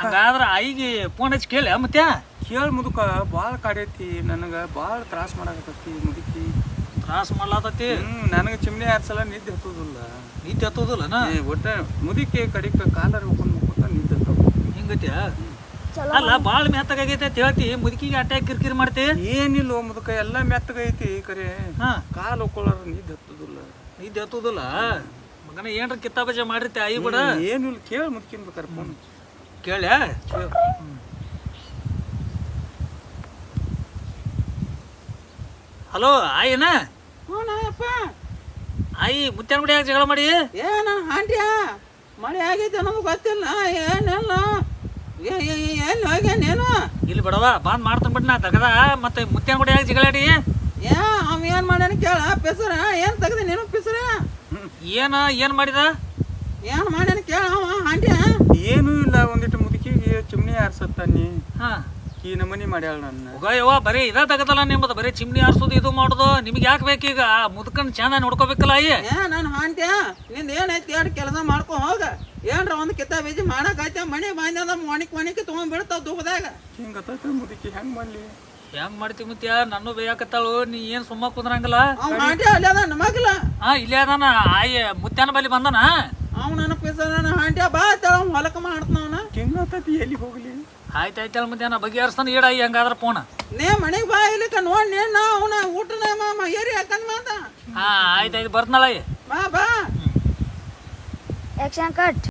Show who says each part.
Speaker 1: ಹಂಗಾದ್ರ ಆಯಿಗೆ ಫೋನ್ ಹಚ್ಚಿ ಕೇಳಿ ಮತ್ತೆ
Speaker 2: ಕೇಳಿ ಮುದುಕ ಭಾಳ ಕಾಡೈತಿ ನನಗೆ ಭಾಳ ತ್ರಾಸ ಮಾಡಾಕತ್ತೈತಿ ಮುದುಕಿ
Speaker 1: ತ್ರಾಸ ಮಾಡ್ಲಾತತಿ
Speaker 2: ನನಗೆ ಚಿಮ್ನಿ ಹಾರ್ಸಲ ನಿದ್ದೆ ಹತ್ತೋದಿಲ್ಲ
Speaker 1: ನಿದ್ದೆ ಹತ್ತೋದಿಲ್ಲನ
Speaker 2: ಒಟ್ಟ ಮುದುಕಿ ಕಡಿಕ ಕಾಲರ್ ಹೋಗ್ಕೊಂಡು ಮುಕ್ಕೋತ ನಿದ್ದೆ ಹತ್ತವ
Speaker 1: ಹಿಂಗತ್ಯಾ ಅಲ್ಲ ಭಾಳ ಮೆತ್ತಗಾಗೈತೆ ಅಂತ ಹೇಳ್ತಿ ಮುದುಕಿಗೆ ಅಟ್ಯಾಕ್ ಕಿರಿಕಿರಿ ಮಾಡ್ತಿ
Speaker 2: ಏನಿಲ್ಲ ಮುದುಕ ಎಲ್ಲ ಮೆತ್ತಗೈತಿ ಕರೆ ಕಾಲು ಹೋಗ್ಕೊಳ್ಳಾರ ನಿದ್ದೆ ಹತ್ತೋದಿಲ್ಲ
Speaker 1: ನಿದ್ದೆ ಹತ್ತೋದಿಲ್ಲ ಮಗನ ಏನ್ರ ಕಿತ್ತಾಬಜೆ ಮಾಡಿರ್ತಿ ಆಯಿ ಬಿಡ
Speaker 2: ಏನಿಲ್ಲ ಕೇಳಿ ಮುದುಕಿನ ಬೇಕಾರೆ ಫೋನ್
Speaker 1: ಕೇಳ್ಯಾ ಹಲೋ ಆಯಿನ
Speaker 3: ಹ್ಞೂನಪ್ಪ
Speaker 1: ಆಯಿ ಮುತ್ಯಾನ ಗುಡಿ ಯಾಕೆ ಜಗಳ ಮಾಡಿ
Speaker 3: ಏ ನನ್ನ ಹಾಂಟ್ಯಾ ಮಳೆ ಆಗೈತೆ ನಮಗೆ ಗೊತ್ತಿಲ್ಲ ಏನೆಲ್ಲ ಎಲ್ಲಿ ಹೋಗ್ಯಾನೇನು
Speaker 1: ಇಲ್ಲಿ ಬಿಡವ ಬಂದ್ ಮಾಡ್ತಾನ ಬಿಡ್ ನಾ ತಗದ ಮತ್ತೆ ಮುತ್ಯಾನ ಗುಡಿ ಯಾಕೆ ಜಗಳಾಡಿ
Speaker 3: ಏ ಅವ ಏನು ಮಾಡ್ಯಾನ ಕೇಳ ಪಿಸರ ಏನು ತೆಗ್ದೆ ನೀನು ಪಿಸರ
Speaker 1: ಏನ್ ಮಾಡಿದ
Speaker 3: ಏನು ಮಾಡ್ಯಾನ ಕೇಳ ಅವ ಹಾಂಟ್ಯಾ
Speaker 2: ಏನೂ ಇಲ್ಲ ಒಂದಿಟ್ಟು ಮುದುಕಿಗೆ ಚಿಮ್ನಿ ಹಾರ್ಸತ್ತಾನಿ
Speaker 1: ಹಾ
Speaker 2: ಈ ನಮನಿ ಮಾಡ್ಯಾಳ ನನ್ನ
Speaker 1: ಹೋಗಯ್ಯವ್ವ ಬರೀ ಇದ ತಗದಲ್ಲ ನಿಮ್ಮದು ಬರೀ ಚಿಮ್ನಿ ಆರ್ಸೋದು ಇದು ಮಾಡೋದು ನಿಮ್ಗೆ ಯಾಕೆ ಬೇಕೀಗ ಮುದ್ಕನ್ ಚಂದ ನೋಡ್ಕೋಬೇಕಲ್ಲ ಅಯ್ಯ
Speaker 3: ಏ ನನ್ನ ಹಾಂಟ್ಯಾ ನಿಂದ ಏನೈತಿ ಎರಡು ಕೆಲಸ ಮಾಡ್ಕೊ ಹೋಗ ಏನ್ರ ಒಂದು ಕಿತ್ತ ಬೀಜಿ ಮಾಡಕೈತೆ ಮನೆ ಬಾಂಧದ ಮಣಿಕ್ ತೊಗೊಂಡ್ ಬಿಡ್ತಾವ ದುಃಖದಾಗ
Speaker 2: ಹಿಂಗತ್ತ ಮುದುಕಿ ಹೆಂಗ್ ಮಾಡ್ಲಿ
Speaker 1: ಹೆಂಗ್ ಮಾಡ್ತಿ ಮುತ್ಯ ನನ್ನೂ ಬೇಯಾಕತ್ತಾಳು ನೀ ಏನ್ ಸುಮ್ಮ ಕುಂದ್ರಂಗಿಲ್ಲ
Speaker 3: ಅವ್ ಹಾಂಟ್ಯಾ ಅಲ್ಲಿ ಅದ ನಮಗಿಲ್ಲ
Speaker 1: ಇಲ್ಲೇ ಅದಾನ ಆಯ್ ಮುತ್ಯಾನ ಬಲಿ ಬಂದನ
Speaker 3: ಅವ್ ನನ್ನ ಪಿಸರ ಹಾಂಟ್ಯಾ ಬಾ ತಳ ಹೊಲಕ ಮಾಡ್ತಾನವನ
Speaker 2: ಹಿಂಗತ್ತತಿ ಎಲ್ಲಿ ಹೋಗ್ಲಿ
Speaker 1: ಆಯ್ತಾಯ್ತಲ್ಲ ಮುತ್ಯಾನ ಬಗೆಹರಿಸ್ತಾನ ಈಡ ಹಂಗಾದ್ರ ಫೋನ್
Speaker 3: ನೇ ಮನೆಗೆ ಬಾ ಇಲ್ಲಿಕ ನೋಡಿ ನೇನು ಅವನ ಊಟನ ಏರಿ ಹಾಕಂದ್ ಮಾತ
Speaker 1: ಆಯ್ತಾಯ್ತು ಬರ್ತನಲ್ಲ
Speaker 3: ಬಾ ಬಾ
Speaker 4: Action cut.